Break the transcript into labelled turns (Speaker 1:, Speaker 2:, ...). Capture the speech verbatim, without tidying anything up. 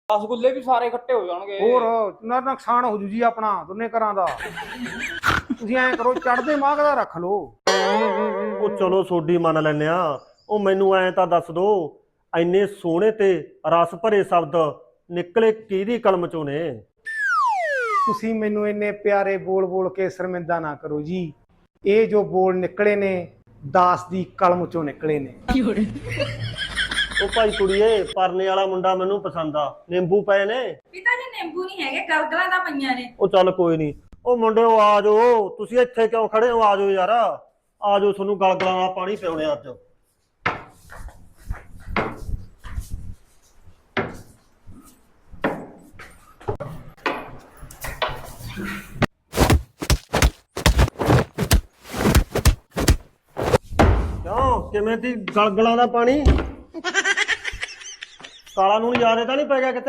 Speaker 1: ਰਸਗੁੱਲੇ ਵੀ ਸਾਰੇ ਇਕੱਠੇ ਹੋ ਜਾਣਗੇ।
Speaker 2: ਹੋਰ ਨਾ ਨੁਕਸਾਨ ਹੋ ਜੂ ਜੀ ਆਪਣਾ ਦੋਨੇ ਘਰਾਂ ਦਾ। ਤੁਸੀਂ ਐਂ ਕਰੋ ਚੜ੍ਹਦੇ ਮਾਘ ਦਾ ਰੱਖ ਲਓ।
Speaker 3: ਉਹ ਚਲੋ ਸੋਡੀ ਮੰਨ ਲੈਨੇ ਆ। ਉਹ ਮੈਨੂੰ ਐਂ ਤਾਂ ਦੱਸ ਦੋ, ਇੰਨੇ ਸੋਹਣੇ ਤੇ ਰਸ ਭਰੇ ਸ਼ਬਦ ਨਿਕਲੇ ਕਿਹਦੀ ਕਲਮ ਚੋਂ ਨੇ?
Speaker 2: ਤੁਸੀਂ ਮੈਨੂੰ ਇੰਨੇ ਪਿਆਰੇ ਬੋਲ ਬੋਲ ਕੇ ਸ਼ਰਮਿੰਦਾ ਨਾ ਕਰੋ ਜੀ। ਇਹ ਜੋ ਬੋਲ ਨਿਕਲੇ ਨੇ ਦਾਸ ਦੀ ਕਲਮ ਚੋਂ ਨਿਕਲੇ ਨੇ।
Speaker 3: ਉਹ ਭਾਈ ਕੁੜੀਏ, ਪਰਨੇ ਵਾਲਾ ਮੁੰਡਾ ਮੈਨੂੰ ਪਸੰਦ ਆ। ਨਿੰਬੂ ਪਏ ਨੇ?
Speaker 4: ਪਿਤਾ ਜੀ ਨਿੰਬੂ ਨਹੀਂ ਹੈਗੇ, ਗਲਗਲਾਂ ਦਾ ਪਈਆਂ ਨੇ।
Speaker 3: ਉਹ ਚੱਲ ਕੋਈ ਨਹੀਂ। ਉਹ ਮੁੰਡਿਓ ਆ ਜਾਓ, ਤੁਸੀਂ ਇੱਥੇ ਕਿਉਂ ਖੜੇ ਹੋ? ਆ ਜਾਓ ਯਾਰ, ਆ ਜਾਓ, ਤੁਹਾਨੂੰ ਗਲਗਲਾਂ ਦਾ ਪਾਣੀ ਪਿਉਣੇ ਅੱਜ। ਕਿਉਂ, ਕਿਵੇਂ ਦੀ ਗਲਗਲਾਂ ਦਾ ਪਾਣੀ? ਕਾਲਾ ਨੂਣ ਯਾਦ ਤਾਂ ਨਹੀਂ ਪੈ ਗਿਆ ਕਿਤੇ?